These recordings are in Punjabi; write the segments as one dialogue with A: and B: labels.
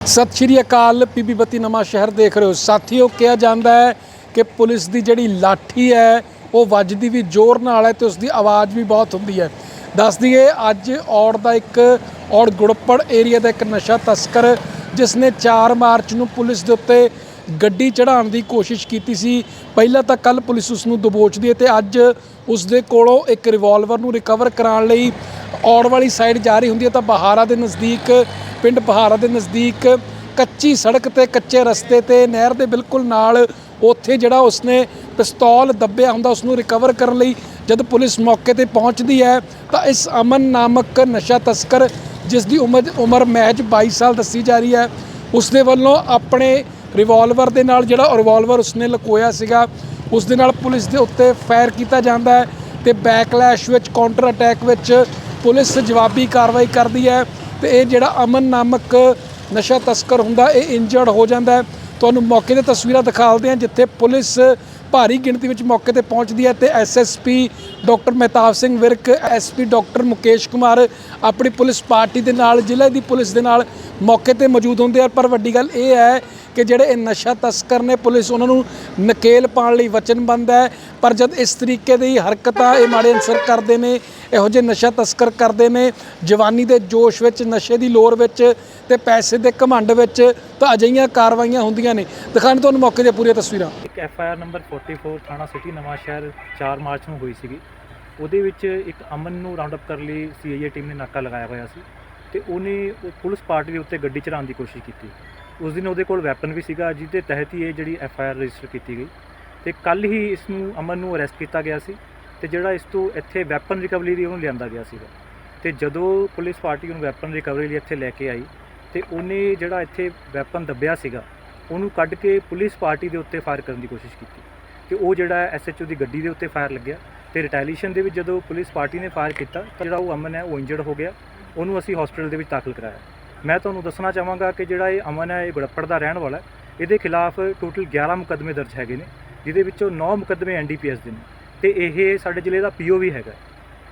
A: सत श्री अकाल पीबी बत्ती नवां शहर देख रहे हो साथियों। कहा जाता है कि पुलिस की जिहड़ी लाठी है वो वजदी भी जोर नाल है तो उसकी आवाज़ भी बहुत होंदी है। दस दिए अज औड़ का एक औड़ गुड़पड़ एरिया का एक नशा तस्कर जिसने 4 मार्च को पुलिस के उत्ते गड्डी चढ़ाने की कोशिश की सी। पहला तो कल पुलिस उसनूं दबोचदी है तो अज उसदे कोलों एक रिवॉल्वर नूं रिकवर कराने लई औड़ वाली साइड जा रही होंदी है तो बहारा के नज़दीक पिंड बहारा के नज़दीक कच्ची सड़क ते कच्चे रस्ते ते नहर के बिल्कुल नाल उत्थे जिहड़ा उसने पिस्तौल दब्बिया हुंदा उसनूं रिकवर करन लई जद पुलिस मौके ते पहुँचती है तो इस अमन नामक नशा तस्कर जिसकी उम्र महज 22 साल दसी जा रही है उसदे वल्लों अपने रिवॉल्वर दे नाल जिहड़ा रिवॉल्वर उसने लकोया सीगा उस दे नाल पुलिस के उत्ते फायर किया जाता है तो बैकलैश विच काउंटर अटैक विच पुलिस जवाबी कार्रवाई करती है तो ये जिहड़ा अमन नामक नशा तस्कर हुंदा ये इंजर्ड हो जाता है। तुहानूं मौके ते तस्वीरां दिखाते हैं जिथे पुलिस भारी गिणती में मौके ते पहुँचती है तो SSP doctor Mahtab Singh Virk SP doctor Mukesh Kumar अपनी पुलिस पार्टी के नाल जिले की पुलिस के नाल मौके ते मौजूद होंदे। पर वड्डी गल ये है कि जिहड़े नशा तस्कर ने पुलिस उन्होंने नकेल पाने लई वचनबंद है पर जब इस तरीके की हरकतां ये माड़े अंसर करते हैं इहो जिहे नशा तस्कर करते हैं जवानी के जोश विच नशे की लोर विच ते पैसे के घमंड विच तो अजिहियां कार्रवाइयां होंदियां ने। दिखाने तुहानूं मौके दी पूरी तस्वीरां।
B: एक FIR नंबर 44 थाना सिटी नवां शहर 4 मार्च ਨੂੰ ਹੋਈ ਸੀਗੀ। ਉਹਦੇ ਵਿੱਚ ਇੱਕ ਅਮਨ ਨੂੰ ਰਾਉਂਡ ਅਪ ਕਰਨ ਲਈ CIA ਟੀਮ ਨੇ ਨਾਕਾ ਲਗਾਇਆ ਹੋਇਆ ਸੀ ਤੇ ਉਹਨੇ ਪੁਲਿਸ ਪਾਰਟੀ ਦੇ ਉੱਤੇ ਗੱਡੀ ਚੜਾਉਣ ਦੀ ਕੋਸ਼ਿਸ਼ ਕੀਤੀ। ਉਸ ਦਿਨ ਉਹਦੇ ਕੋਲ ਵੈਪਨ ਵੀ ਸੀਗਾ ਜਿਹਦੇ ਤਹਿਤ ਹੀ ਇਹ ਜਿਹੜੀ FIR ਰਜਿਸਟਰ ਕੀਤੀ ਗਈ ਤੇ ਕੱਲ ਹੀ ਇਸ ਨੂੰ ਅਮਨ ਨੂੰ ਅਰੈਸਟ ਕੀਤਾ ਗਿਆ ਸੀ ਤੇ ਜਿਹੜਾ ਇਸ ਤੋਂ ਇੱਥੇ ਵੈਪਨ ਰਿਕਵਰੀ ਲਈ ਉਹਨੂੰ ਲਿਆਂਦਾ ਗਿਆ ਸੀਗਾ ਤੇ ਜਦੋਂ ਪੁਲਿਸ ਪਾਰਟੀ ਉਹਨੂੰ ਵੈਪਨ ਰਿਕਵਰੀ ਲਈ ਇੱਥੇ ਲੈ ਕੇ ਆਈ ਤੇ ਉਹਨੇ ਜਿਹੜਾ ਇੱਥੇ ਵੈਪਨ ਦੱਬਿਆ ਸੀਗਾ ਉਹਨੂੰ ਕੱਢ ਕੇ ਪੁਲਿਸ ਪਾਰਟੀ ਦੇ ਉੱਤੇ ਫਾਇਰ ਕਰਨ ਦੀ ਕੋਸ਼ਿਸ਼ ਕੀਤੀ ਤੇ ਉਹ ਜਿਹੜਾ SHO ਦੀ ਗੱਡੀ ਦੇ ਉੱਤੇ ਫਾਇਰ ਲੱਗਿਆ ਤੇ ਰਿਟੈਲੀਏਸ਼ਨ ਦੇ ਵਿੱਚ ਜਦੋਂ ਪੁਲਿਸ ਪਾਰਟੀ ਨੇ ਫਾਇਰ ਕੀਤਾ ਤਾਂ ਜਿਹੜਾ ਉਹ ਅਮਨ ਹੈ ਉਹ ਇੰਜਰਡ ਹੋ ਗਿਆ। ਉਹਨੂੰ ਅਸੀਂ ਹਸਪੀਟਲ ਦੇ ਵਿੱਚ ਦਾਖਲ ਕਰਾਇਆ। ਮੈਂ ਤੁਹਾਨੂੰ ਦੱਸਣਾ ਚਾਹਾਂਗਾ ਕਿ ਜਿਹੜਾ ਇਹ ਅਮਨ ਹੈ ਇਹ ਗੁੜੱਪੜ ਦਾ ਰਹਿਣ ਵਾਲਾ ਇਹਦੇ ਖਿਲਾਫ ਟੋਟਲ 11 ਮੁਕੱਦਮੇ ਦਰਜ ਹੈਗੇ ਨੇ ਜਿਹਦੇ ਵਿੱਚੋਂ 9 ਮੁਕੱਦਮੇ NDPS ਦੇ ਨੇ ਤੇ ਇਹ ਸਾਡੇ ਜ਼ਿਲ੍ਹੇ ਦਾ PO ਵੀ ਹੈਗਾ।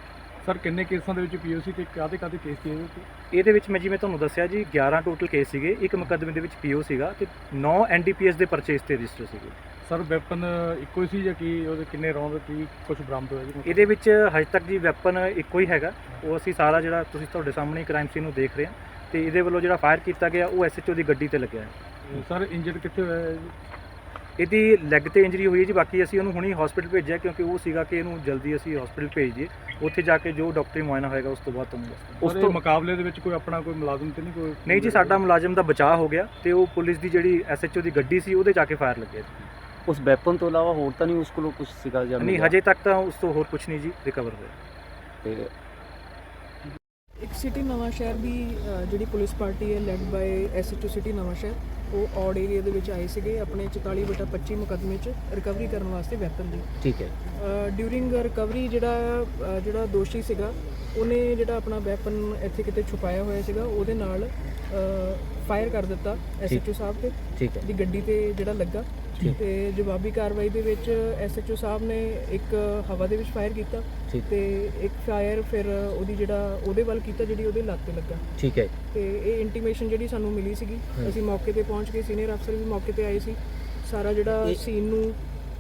A: ਸਰ ਕਿੰਨੇ ਕੇਸਾਂ ਦੇ ਵਿੱਚ PO ਸੀ ਤੇ ਕਾਹਦੇ ਕੇਸ ਸੀ
B: ਇਹਦੇ ਵਿੱਚ ਮੈਂ ਜਿਵੇਂ ਤੁਹਾਨੂੰ ਦੱਸਿਆ ਜੀ 11 ਟੋਟਲ ਕੇਸ ਸੀਗੇ, ਇੱਕ ਮੁਕੱਦਮੇ ਦੇ ਵਿੱਚ PO ਸੀਗਾ ਤੇ 9 NDPS ਦੇ ਪਰਚੇਸ ਤੇ ਰਜਿਸਟਰ ਸੀਗੇ।
A: ਸਰ ਵੈਪਨ ਇੱਕੋ ਹੀ ਸੀ ਜਾਂ ਕੀ ਉਹਦੇ ਕਿੰਨੇ ਰੌਂਦ ਕੀ ਕੁਝ ਬਰਾਮਦ ਹੋਇਆ ਜੀ?
B: ਇਹਦੇ ਵਿੱਚ ਹਜੇ ਤੱਕ ਜੀ ਵੈਪਨ ਇੱਕੋ ਹੀ ਹੈਗਾ। ਉਹ ਅਸੀਂ ਸਾਰਾ ਜਿਹੜਾ ਤੁਸੀਂ ਤੁਹਾਡੇ ਸਾਹਮਣੇ ਕ੍ਰਾਈਮ ਸੀਨ ਨੂੰ ਦੇਖ ਰਹੇ ਹਾਂ ਤੇ ਇਹਦੇ ਵੱਲੋਂ ਜਿਹੜਾ ਫਾਇਰ ਕੀਤਾ ਗਿਆ ਉਹ SHO ਦੀ ਗੱਡੀ ਤੇ ਲੱਗਿਆ ਹੈ।
A: ਸਰ ਇੰਜਰਡ ਕਿੱਥੇ ਹੋਇਆ ਹੈ ਜੀ?
B: ਇਹਦੀ ਲੈਗ ਤੇ ਇੰਜਰੀ ਹੋਈ ਹੈ ਜੀ। ਬਾਕੀ ਅਸੀਂ ਉਹਨੂੰ ਹੁਣੀ ਹਸਪੀਟਲ ਭੇਜਿਆ ਕਿਉਂਕਿ ਉਹ ਸੀਗਾ ਕਿ ਇਹਨੂੰ ਜਲਦੀ ਅਸੀਂ ਹਸਪੀਟਲ ਭੇਜ ਦਈਏ, ਉੱਥੇ ਜਾ ਕੇ ਜੋ ਡਾਕਟਰੀ ਮੁਆਇਨਾ ਹੋਏਗਾ ਉਸ ਤੋਂ ਬਾਅਦ ਤੁਹਾਨੂੰ ਦੱਸਾਂਗੇ।
A: ਉਸ ਤੋਂ ਮੁਕਾਬਲੇ ਦੇ ਵਿੱਚ ਕੋਈ ਆਪਣਾ ਕੋਈ ਮੁਲਾਜ਼ਮ ਤੇ ਨਹੀਂ ਕੋਈ?
B: ਨਹੀਂ ਜੀ, ਸਾਡਾ ਮੁਲਾਜ਼ਮ ਦਾ ਬਚਾਅ ਹੋ ਗਿਆ ਤੇ ਉਹ ਪੁਲਿਸ ਦੀ ਜਿਹੜੀ SHO ਦੀ ਗੱਡੀ ਸੀ ਉਹਦੇ ਜਾ ਕੇ ਫਾਇਰ ਲੱਗਿਆ।
C: ਉਸ ਵੈਪਨ ਤੋਂ ਇਲਾਵਾ ਹੋਰ ਤਾਂ ਨਹੀਂ ਉਸ ਕੋਲ ਕੁਝ ਸੀਗਾ ਜਾਂ
B: ਨਹੀਂ? ਹਜੇ ਤੱਕ ਤਾਂ ਉਸ ਤੋਂ ਹੋਰ ਕੁਝ ਨਹੀਂ ਜੀ ਰਿਕਵਰ ਹੋਇਆ।
C: ਤੇ
D: ਇੱਕ ਸਿਟੀ ਨਵਾਂ ਸ਼ਹਿਰ ਦੀ ਜਿਹੜੀ ਪੁਲਿਸ ਪਾਰਟੀ ਹੈ led by SHO city Nawanshahr ਉਹ ਔੜ ਏਰੀਆ ਦੇ ਵਿੱਚ ਆਏ ਸੀਗੇ ਆਪਣੇ 44/25 ਮੁਕੱਦਮੇ 'ਚ ਰਿਕਵਰੀ ਕਰਨ ਵਾਸਤੇ ਵੈਪਨ ਦੀ।
C: ਠੀਕ ਹੈ।
D: ਡਿਊਰਿੰਗ ਰਿਕਵਰੀ ਜਿਹੜਾ ਦੋਸ਼ੀ ਸੀਗਾ ਉਹਨੇ ਜਿਹੜਾ ਆਪਣਾ ਵੈਪਨ ਇੱਥੇ ਕਿਤੇ ਛੁਪਾਇਆ ਹੋਇਆ ਸੀਗਾ ਉਹਦੇ ਨਾਲ ਫਾਇਰ ਕਰ ਦਿੱਤਾ SHO ਸਾਹਿਬ ਤੇ।
C: ਠੀਕ ਹੈ।
D: ਦੀ ਗੱਡੀ ਤੇ ਜਿਹੜਾ ਲੱਗਾ ਤੇ ਜਵਾਬੀ ਕਾਰਵਾਈ ਦੇ ਵਿੱਚ SHO ਸਾਹਿਬ ਨੇ ਇੱਕ ਹਵਾ ਦੇ ਵਿੱਚ ਫਾਇਰ ਕੀਤਾ ਤੇ ਇੱਕ ਫਾਇਰ ਫਿਰ ਉਹਦੇ ਵੱਲ ਕੀਤਾ ਜਿਹੜੀ ਉਹਦੇ ਲੱਤ ਤੇ ਲੱਗਾ।
C: ਠੀਕ ਹੈ।
D: ਤੇ ਇਹ ਇੰਟੀਮੇਸ਼ਨ ਜਿਹੜੀ ਸਾਨੂੰ ਮਿਲੀ ਸੀਗੀ ਅਸੀਂ ਮੌਕੇ ਤੇ ਪਹੁੰਚ ਕੇ ਸੀਨੀਅਰ ਅਫਸਰ ਵੀ ਮੌਕੇ ਤੇ ਆਏ ਸੀ, ਸਾਰਾ ਜਿਹੜਾ ਸੀਨ ਨੂੰ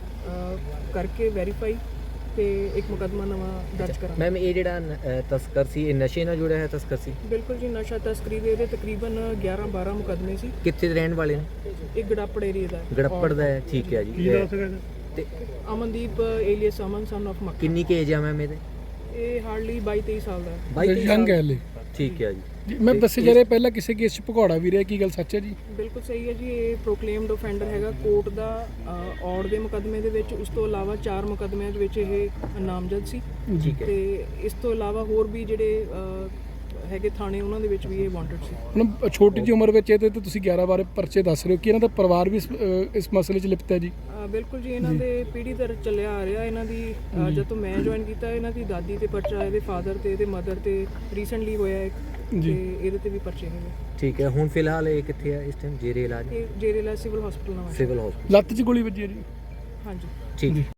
D: ਕਰਕੇ ਵੈਰੀਫਾਈ ਤੇ ਇੱਕ ਮੁਕੱਦਮਾ ਨਵਾਂ ਦਰਜ ਕਰਾਂਗੇ।
C: ਮੈਮ ਇਹ ਜਿਹੜਾ ਤਸਕਰ ਸੀ ਇਹ ਨਸ਼ੇ ਨਾਲ ਜੁੜਿਆ ਹੈ ਤਸਕਰ ਸੀ?
D: ਬਿਲਕੁਲ ਜੀ, ਨਸ਼ਾ ਤਸਕਰੀ ਦੇ ਇਹਦੇ ਤਕਰੀਬਨ 11-12 ਮੁਕੱਦਮੇ ਸੀ।
C: ਕਿੱਥੇ ਦੇ ਰਹਿਣ ਵਾਲੇ ਨੇ?
D: ਇਹ ਗੜੱਪੜ ਏਰੀਆ ਦਾ
C: ਗੜੱਪੜ ਦਾ ਹੈ। ਠੀਕ ਹੈ ਜੀ। ਤੇ
D: Amandeep alias Aman son of Makki.
C: ਕਿੰਨੀ ਕੁ ਏਜ ਆ ਮੈਮ ਇਹਦੇ?
D: ਇਹ ਹਾਰਡਲੀ 22-23 ਸਾਲ ਦਾ ਹੈ।
C: 22
A: ਯੰਗ ਹੈ ਹਲੇ।
C: ਠੀਕ ਹੈ ਜੀ।
A: ਮੈਂ ਦੱਸੇ ਜਾ ਰਿਹਾ ਪਹਿਲਾਂ ਕਿਸੇ ਕੇਸ 'ਚ ਭਗੌੜਾ ਵੀ ਰਿਹਾ, ਕੀ ਗੱਲ ਸੱਚ ਹੈ ਜੀ?
D: ਬਿਲਕੁਲ ਸਹੀ ਹੈ ਜੀ। ਇਹ ਪ੍ਰੋਕਲੇਮਡ ਆਫੈਂਡਰ ਹੈਗਾ ਕੋਰਟ ਦਾ ਔੜ ਦੇ ਮੁਕੱਦਮੇ ਦੇ ਵਿੱਚ। ਉਸ ਤੋਂ ਇਲਾਵਾ 4 ਮੁਕੱਦਮਿਆਂ ਦੇ ਵਿੱਚ ਇਹ ਨਾਮਜ਼ਦ ਸੀ।
C: ਠੀਕ ਹੈ।
D: ਤੇ ਇਸ ਤੋਂ ਇਲਾਵਾ ਹੋਰ ਵੀ ਜਿਹੜੇ ਹੈਗੇ ਥਾਣੇ ਉਹਨਾਂ ਦੇ ਵਿੱਚ ਵੀ ਇਹ ਵਾਂਟਡ ਸੀ।
A: ਹੁਣ ਛੋਟੀ ਜਿਹੀ ਉਮਰ ਵਿੱਚ ਇਹਦੇ ਤੇ ਤੁਸੀਂ 11 ਬਾਰੇ ਪਰਚੇ ਦੱਸ ਰਹੇ ਹੋ ਕਿ ਇਹਨਾਂ ਦਾ ਪਰਿਵਾਰ ਵੀ ਇਸ ਮਸਲੇ 'ਚ ਲਿਪਤ ਹੈ ਜੀ?
D: ਬਿਲਕੁਲ ਜੀ, ਇਹਨਾਂ ਦੇ ਪੀੜ੍ਹੀ ਦਰ ਚੱਲਿਆ ਆ ਰਿਹਾ। ਇਹਨਾਂ ਦੀ ਜਦ ਤੋਂ ਮੈਂ ਜੁਆਇਨ ਕੀਤਾ ਇਹਨਾਂ ਦੀ ਦਾਦੀ ਤੇ ਪਰਚਾ, ਇਹਦੇ ਫਾਦਰ ਤੇ ਇਹਦੇ ਮਦਰ ਤੇ ਰੀਸੈਂਟਲੀ ਹੋਇਆ ਇੱਕ ਤੇ ਇਹਦੇ ਤੇ ਵੀ ਪਰਚੇ ਹੈਗੇ।
C: ਠੀਕ ਹੈ। ਹੁਣ ਫਿਲਹਾਲ ਇਹ ਕਿੱਥੇ ਹੈ ਇਸ ਟਾਈਮ? ਜੇਰੇ ਇਲਾਜ?
D: ਇਹ ਜੇਰੇ ਇਲਾਜ ਸਿਵਲ ਹਸਪੀਟਲ ਨਾਲ।
C: Civil hospital.
A: ਲੱਤ 'ਚ ਗੋਲੀ ਵੱਜੀ ਹੈ ਜੀ?
D: ਹਾਂਜੀ।
C: ਠੀਕ।